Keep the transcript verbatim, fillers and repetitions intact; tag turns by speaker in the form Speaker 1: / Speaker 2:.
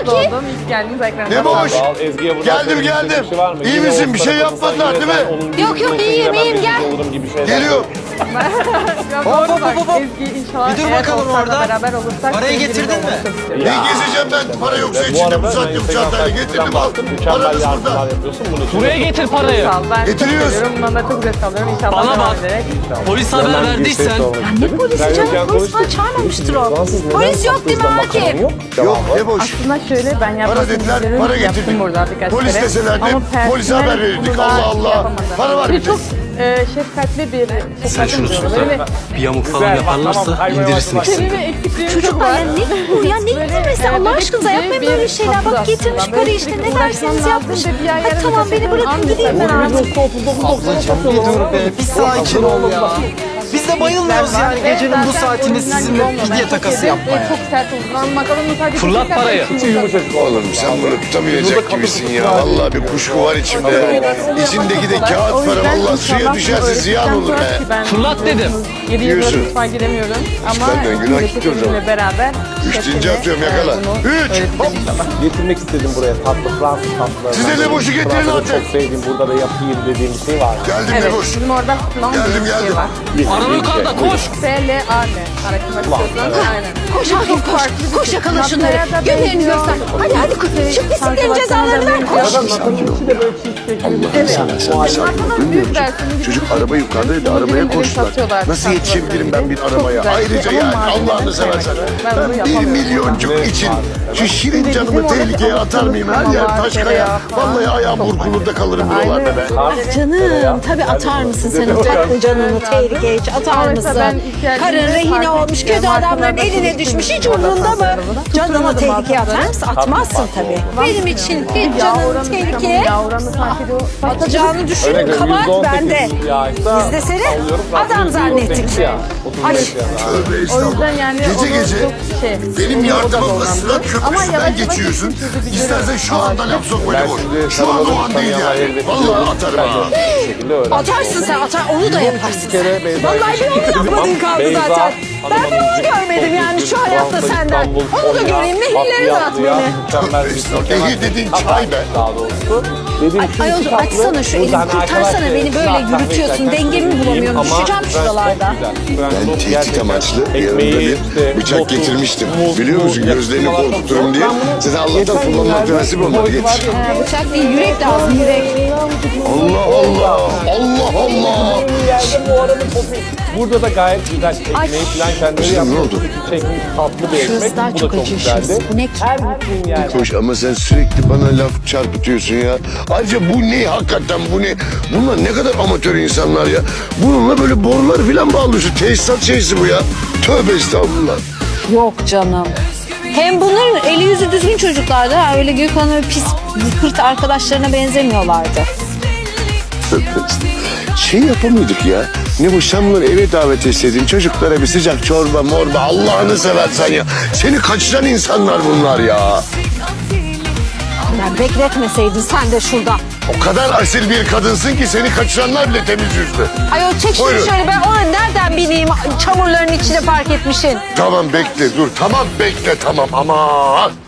Speaker 1: Akif.
Speaker 2: oldum. İlk geldiğiniz ekranda.
Speaker 3: Ne boş?
Speaker 4: Al, Ezgi'ye buradan
Speaker 3: Geldim
Speaker 4: söyleyecek
Speaker 3: geldim.
Speaker 4: bir şey var mı?
Speaker 3: İyi
Speaker 4: Yine
Speaker 3: misin?
Speaker 4: o
Speaker 3: Bir şey
Speaker 4: tarafa
Speaker 3: yapmadılar
Speaker 4: sen
Speaker 3: değil
Speaker 4: yine ben
Speaker 3: mi?
Speaker 4: onun
Speaker 1: Yok, yok,
Speaker 4: yüzüne
Speaker 1: iyiyim,
Speaker 4: ben
Speaker 1: iyiyim,
Speaker 4: rezil
Speaker 1: gel.
Speaker 4: olurum gibi şeyler.
Speaker 3: Geliyor.
Speaker 2: Ya
Speaker 5: Hop,
Speaker 2: doğru
Speaker 5: hop,
Speaker 2: bak.
Speaker 5: hop, hop.
Speaker 2: Ezgi inşallah
Speaker 5: Bir dur
Speaker 2: eğer
Speaker 5: bakalım
Speaker 2: Oğuzhan'la
Speaker 5: orada.
Speaker 2: beraber olursak.
Speaker 5: Parayı
Speaker 2: sevgili
Speaker 5: getirdin mi?
Speaker 2: olmak
Speaker 3: Ne gezeceğim ben? Para yoksa içinde bu saatte bu çantayla getirdim al.
Speaker 4: Mükemmel
Speaker 3: Paranız
Speaker 4: yardımlar
Speaker 3: burada.
Speaker 4: yapıyorsun. Bunun için
Speaker 6: Buraya getir parayı.
Speaker 2: Sağ ol. Ben
Speaker 3: Getiriyoruz.
Speaker 2: çok seviyorum. Bundan da çok zevk alıyorum. İnşallah
Speaker 6: Bana
Speaker 2: devam
Speaker 6: bak.
Speaker 2: ederek.
Speaker 6: Polis haber
Speaker 4: Hemen bir şey
Speaker 6: verdiysen.
Speaker 4: sormak
Speaker 1: Ne
Speaker 4: istedim.
Speaker 1: polisi
Speaker 4: Sen
Speaker 1: canım?
Speaker 4: yokken
Speaker 1: Polis falan
Speaker 4: konuştuk.
Speaker 1: çağırmamıştır o.
Speaker 4: Fransız neden
Speaker 1: Polis yok değil mi
Speaker 4: bakan
Speaker 1: Akif?
Speaker 4: yok?
Speaker 3: Yok ne boş.
Speaker 2: Aslında şöyle ben yapmak
Speaker 3: Para dediler, para
Speaker 2: yaptım
Speaker 3: getirdik.
Speaker 2: burada birkaç
Speaker 3: Polis
Speaker 2: kere.
Speaker 3: deselerdi,
Speaker 2: Ama
Speaker 3: polise
Speaker 2: personel
Speaker 3: haber verirdik.
Speaker 2: bunu daha
Speaker 3: Allah Allah.
Speaker 2: yapamadı.
Speaker 3: Para var
Speaker 2: Bir
Speaker 3: bir
Speaker 2: çok e, şefkatli bir
Speaker 6: Sen şunu
Speaker 2: şefkatli
Speaker 6: söyle.
Speaker 2: böyle
Speaker 6: Bir yamuk falan
Speaker 4: Güzel, bak,
Speaker 6: yaparlarsa
Speaker 4: tamam, kaymaya
Speaker 6: indirirsin
Speaker 4: başladı.
Speaker 6: ikisini.
Speaker 2: kelime eksikliğim çok
Speaker 1: Çocuklar
Speaker 2: var.
Speaker 1: ya ne bu ya ne getirmesi Allah aşkınıza yapmayın böyle şeyler. Bak getirmiş para işte ne derseniz yapmış. Hadi tamam beni bırakın gideyim ben artık.
Speaker 5: Ablacığım bir dur be. Bir sakin ol ya. Biz de bayılmıyoruz yani gecenin bu saatinde sizinle fidye takası yapmaya.
Speaker 2: Çok sert oldu. Bakalım sadece
Speaker 6: Fırlat parayı.
Speaker 3: Oğlum sen bunu tutamayacak gibisin ya. Vallahi bir kuşku var içimde. İçindeki de kağıt para. Vallahi suya düşerse ziyan olur be.
Speaker 6: Fırlat dedim.
Speaker 2: yedi yıldır
Speaker 3: Diyorsun.
Speaker 2: mutfağa giremiyorum. Ama
Speaker 3: benden günah
Speaker 2: milleti
Speaker 3: gitti o zaman.
Speaker 2: sizinle beraber.
Speaker 3: Üç deyince
Speaker 2: hepsine,
Speaker 3: atıyorum,
Speaker 2: e,
Speaker 3: yakala.
Speaker 2: bunu
Speaker 3: Üç,
Speaker 2: öğreteceğim
Speaker 3: hop.
Speaker 2: inşallah.
Speaker 4: Getirmek istedim buraya tatlı Fransız tatlıları.
Speaker 3: Size ne boşu getirin
Speaker 4: Fransa'da
Speaker 3: artık.
Speaker 4: çok sevdiğim, burada da yapayım dediğim bir şey var.
Speaker 3: Geldim
Speaker 2: Evet,
Speaker 3: ne boş.
Speaker 2: bizim orada plan
Speaker 3: Geldim,
Speaker 2: bir şey
Speaker 3: geldim.
Speaker 2: var.
Speaker 6: Araba yukarıda koş.
Speaker 2: S L A N. Araştırmak istiyorsan aynen.
Speaker 1: Koş Akif koş. Koş yakala şunları. Günlerini göster. Hadi hadi koş. Şu pisliklerin cezalarını ver koş.
Speaker 3: Allah'ını seversen bir sakin ol. Duymuyor musun? Çocuk araba yukarıdaydı, arabaya koştular. Nasıl yetişebilirim ben bir arabaya? Ayrıca yani Allah'ını seversen ben bir milyoncuk için şu şirin canımı tehlikeye atar mıyım? Her yer taş kaya. Vallahi ayağım burkulur da kalırım buralarda be.
Speaker 1: Canım tabii atar mısın sen o tatlı canını tehlikeye hiç atar mısın? Karın rehine olmuş kötü adamların eline düşmüş hiç umurunda mı? Canını tehlikeye atar mısın? Atmazsın tabii. Benim için hiç canını tehlikeye atacağını düşünün kabahat bende. Biz de seni adam zannettik. Ay.
Speaker 3: Tövbe
Speaker 2: O
Speaker 3: estağfurullah.
Speaker 2: yüzden yani
Speaker 3: Gece
Speaker 2: onu
Speaker 3: gece
Speaker 2: çok şey,
Speaker 3: benim
Speaker 2: o da
Speaker 3: yardımımla
Speaker 2: dolandı.
Speaker 3: Sırat
Speaker 2: Ama
Speaker 3: Köprüsü'nden
Speaker 2: yavaş yavaş
Speaker 3: geçiyorsun.
Speaker 2: geçiyordu, bir
Speaker 3: İstersen
Speaker 2: görev.
Speaker 3: şu anda laf sokma
Speaker 4: Ben
Speaker 3: boş.
Speaker 4: şimdi
Speaker 3: Şu an o an değil
Speaker 4: tanımadığım
Speaker 3: yani.
Speaker 4: tanıyan
Speaker 3: Vallahi atarım ha.
Speaker 4: Bu şekilde öğrendim.
Speaker 1: Atarsın sen atar onu da yaparsın.
Speaker 4: kere Beyza
Speaker 1: Vallahi bir onu yapmadın kaldı
Speaker 4: Beyza,
Speaker 1: zaten. Ben
Speaker 4: Hanım
Speaker 1: bir onu
Speaker 4: Hanımcık,
Speaker 1: görmedim yani
Speaker 4: çok
Speaker 1: şu
Speaker 4: üzgün,
Speaker 1: hayatta
Speaker 4: Fransa,
Speaker 1: senden.
Speaker 4: İstanbul,
Speaker 1: Onu da
Speaker 4: Konya,
Speaker 1: göreyim ne hilleri at
Speaker 4: Bahtiyarlı'ya
Speaker 1: beni.
Speaker 4: Mükemmel bir
Speaker 3: Estağfurullah. Ehir dediğin çay be.
Speaker 4: Daha doğrusu. Dediğim şu
Speaker 1: Ayol
Speaker 4: iki tatlı,
Speaker 1: açsana şu elini
Speaker 4: buradan
Speaker 1: kurtarsana
Speaker 4: arkadaşlar,
Speaker 1: beni böyle
Speaker 4: zaten
Speaker 1: yürütüyorsun.
Speaker 4: beklerken
Speaker 1: Dengemi bulamıyorum.
Speaker 4: ama
Speaker 1: Düşeceğim
Speaker 4: Fransız
Speaker 1: şuralarda.
Speaker 4: çok güzel. Fransız
Speaker 3: Ben tehdit
Speaker 4: gerçekten
Speaker 3: amaçlı
Speaker 4: ekmeği,
Speaker 3: yanımda bir
Speaker 4: işte,
Speaker 3: bıçak
Speaker 4: notu,
Speaker 3: getirmiştim.
Speaker 4: muz,
Speaker 3: Biliyor musun?
Speaker 4: muz,
Speaker 3: Gözlerini
Speaker 4: yapmalar çok
Speaker 3: korkuturum
Speaker 4: zor.
Speaker 3: diye.
Speaker 4: Ben bunu
Speaker 3: Size Allah'tan
Speaker 4: geçen
Speaker 3: kullanmak
Speaker 4: günlerde
Speaker 3: nasip olmadı.
Speaker 4: boyutu var
Speaker 3: Yetiş.
Speaker 4: ya,
Speaker 1: Ha, bıçak değil yürek lazım yürek.
Speaker 3: Allah Allah. Allah Allah.
Speaker 4: yerde bu arada popüler. Burada da gayet güzel ekmeği falan kendileri
Speaker 3: Kızım, ne
Speaker 4: yapıyor.
Speaker 3: oldu?
Speaker 4: Çekmiş tatlı bir ekmek.
Speaker 1: Şurası daha
Speaker 4: Bu da
Speaker 1: çok
Speaker 4: çok
Speaker 1: acı
Speaker 4: güzeldi.
Speaker 1: şurası. Bu ne ki?
Speaker 4: Her gittiğin yerde.
Speaker 3: Koş ama sen sürekli bana laf çarpıtıyorsun ya. Ayrıca bu ne hakikaten bu ne? Bunlar ne kadar amatör insanlar ya. Bununla böyle borular falan bağlıyorsun. Tesisat şeysi bu ya. Tövbe estağfurullah.
Speaker 1: Yok canım. Hem bunların eli yüzü düzgün çocuklardı. Ha. Öyle Gökhan'ın öyle pis kırt arkadaşlarına benzemiyorlardı.
Speaker 3: Tövbe estağfurullah. Şey yapamıyorduk ya. Ne bu sen bunları eve davet etseydin çocuklara bir sıcak çorba morba Allah'ını seversen ya. Seni kaçıran insanlar bunlar ya.
Speaker 1: Ben bekletmeseydin sen de şurada.
Speaker 3: O kadar asil bir kadınsın ki seni kaçıranlar bile temiz yüzlü.
Speaker 1: Ayol çek şunu
Speaker 3: Buyurun.
Speaker 1: şöyle ben ona nereden bileyim çamurların içine park etmişsin.
Speaker 3: Tamam bekle dur tamam bekle tamam aman.